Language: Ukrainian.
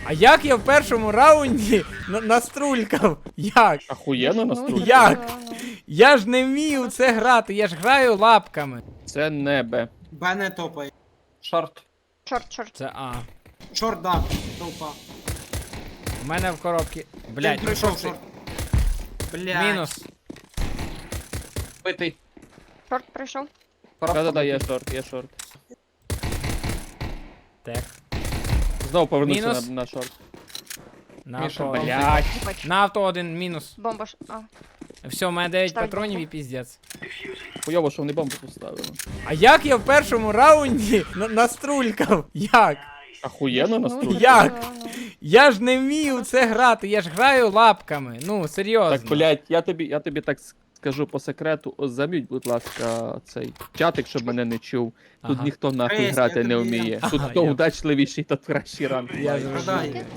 А як я в першому раунді наструлькав? Як? Ахуєнно настрій. Як? Я ж не вмію це грати, я ж граю лапками. Це небе. Б не топай. Шорт. Чорт. Це А. Шорт, да, толпа. У мене в коробці. Блядь, Блять, прийшов шорт. Блядь. мінус. Битий. Чорт прийшов. Да-да-да, є шорт. Так. Знову повернувся Мінус. на шорт. На Міша, авто. блядь. Бач. На авто один мінус. Бомба ж. А. Все, у мене 9 Ставить патронів бомбу. і піздець. Хуйово, що вони бомбу поставили. А як я в першому раунді наструлькав? Як? Ахуєнно настрій. Як? Я ж не вмію це грати, я ж граю лапками. Ну, серйозно. Так, блядь, я тобі так скажу по секрету, зам'ють, будь ласка, цей чатик, щоб мене не чув. Тут Ага. ніхто нахуй Хрест, грати я не тобі вміє. дам. Тут Ага, хто я- удачливіший, тот кращий ранг. Я має. зрозумів. Продай.